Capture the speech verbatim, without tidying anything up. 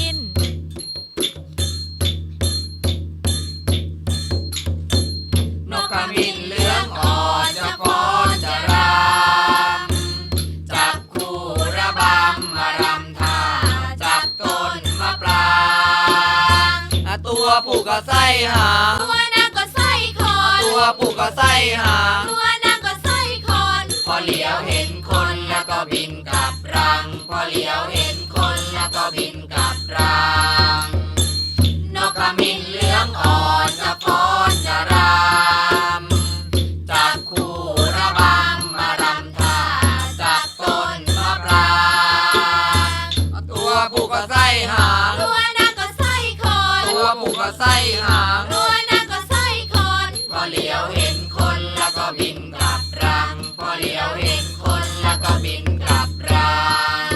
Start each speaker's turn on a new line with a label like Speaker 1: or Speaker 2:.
Speaker 1: น
Speaker 2: นกขมิ้นเหลืองอ่อนจะฟ้อนจะรำจับคู่ระบำมารำท่าจับต้นมะปรางตัวผู้ก็ไส้หาง
Speaker 1: ตัวนางก็ไส้คอน
Speaker 2: ตัวผู้ก็ไส้หาง
Speaker 1: ตัวนางก็ไส้คอน
Speaker 2: พอเหลียวเห็นคนแล้วก็บินกลับรังพอเหลียวเห็นคนแล้วก็บินกลับรังนกขมิ้นเหลืองอ่อนจะฟ้อนจะรำจับคู่ระบำมารำท่าจับต้นมะปรางตัวผู้ก็ไส้หาง
Speaker 1: ตัวนางก็ไส้คอน
Speaker 2: ตัวผู้ก็ไส้หาง
Speaker 1: ตัวนางก็ไส้คอน
Speaker 2: พอเหลียวเห็นคนแล้วก็บินกลับรังพอเหลียวเห็นคนแล้วก็บินกลับรัง